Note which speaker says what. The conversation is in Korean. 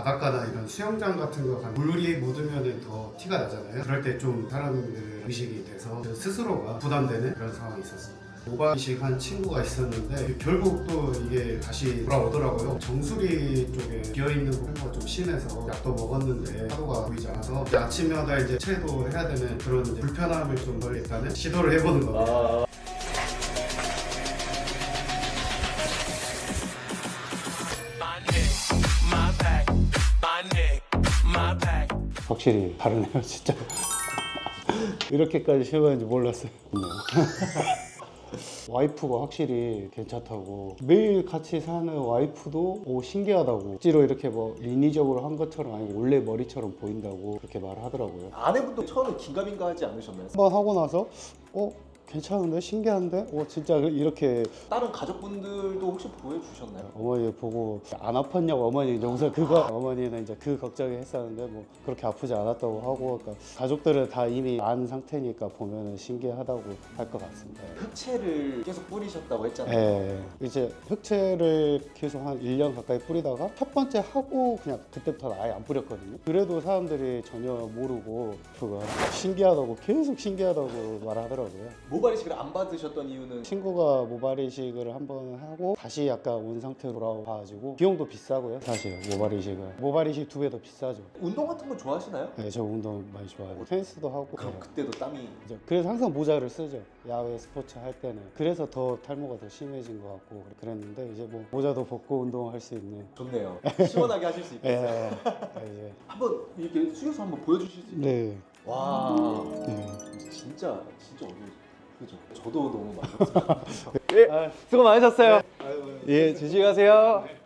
Speaker 1: 바닷가나 이런 수영장 같은 거 가면 물이 묻으면 더 티가 나잖아요. 그럴 때 좀 사람들 의식이 돼서 스스로가 부담되는 그런 상황이 있었어요. 모발이식 한 친구가 있었는데 결국 또 이게 다시 돌아오더라고요. 정수리 쪽에 비어있는 부분가 좀 심해서 약도 먹었는데 하루가 보이지 않아서 이제 아침마다 이제 체도 해야 되는 그런 이제 불편함을 좀 덜 일단은 시도를 해보는 겁니다.
Speaker 2: 확실히 다르네요, 진짜. 이렇게까지 심한지 몰랐어요. 와이프가 확실히 괜찮다고, 매일 같이 사는 와이프도 신기하다고, 억지로 이렇게 뭐 인위적으로 한 것처럼 아니고 원래 머리처럼 보인다고 그렇게 말하더라고요.
Speaker 3: 아내분도 처음에 긴가민가 하지 않으셨나요?
Speaker 2: 한번 하고 나서 괜찮은데? 신기한데? 진짜 이렇게.
Speaker 3: 다른 가족분들도 혹시 보여주셨나요?
Speaker 2: 어머니 보고 안 아팠냐고 어머니 영상 그거 어머니는 이제 그 걱정을 했었는데 뭐 그렇게 아프지 않았다고 하고, 그러니까 가족들은 다 이미 안 상태니까 보면은 신기하다고 할 것 같습니다.
Speaker 3: 흑채를 계속 뿌리셨다고 했잖아요.
Speaker 2: 예, 이제 흑채를 계속 한 1년 가까이 뿌리다가 첫 번째 하고 그냥 그때부터는 아예 안 뿌렸거든요. 그래도 사람들이 전혀 모르고 그거 신기하다고, 계속 신기하다고 말하더라고요.
Speaker 3: 모발이식을 안 받으셨던 이유는
Speaker 2: 친구가 모발이식을 한번 하고 다시 약간 온 상태로 돌아와가지고 비용도 비싸고요. 사실 모발이식 2배 더 비싸죠.
Speaker 3: 운동 같은 거 좋아하시나요?
Speaker 2: 네, 저 운동 많이 좋아해요. 테니스도 하고.
Speaker 3: 그럼
Speaker 2: 네.
Speaker 3: 그때도 땀이
Speaker 2: 이제 그래서 항상 모자를 쓰죠. 야외 스포츠 할 때는. 그래서 더 탈모가 더 심해진 것 같고 그랬는데, 이제 뭐 모자도 벗고 운동할 수 있는.
Speaker 3: 좋네요. 시원하게 하실 수 있겠어요.
Speaker 2: 예.
Speaker 3: 한번 이렇게 숙여서 한번 보여주실 수 있나요?
Speaker 2: 네.
Speaker 3: 와,
Speaker 2: 네.
Speaker 3: 진짜 어려워. 그죠? 저도 너무 만족스러워요.
Speaker 4: 수고 많으셨어요. 예, 조심히 가세요.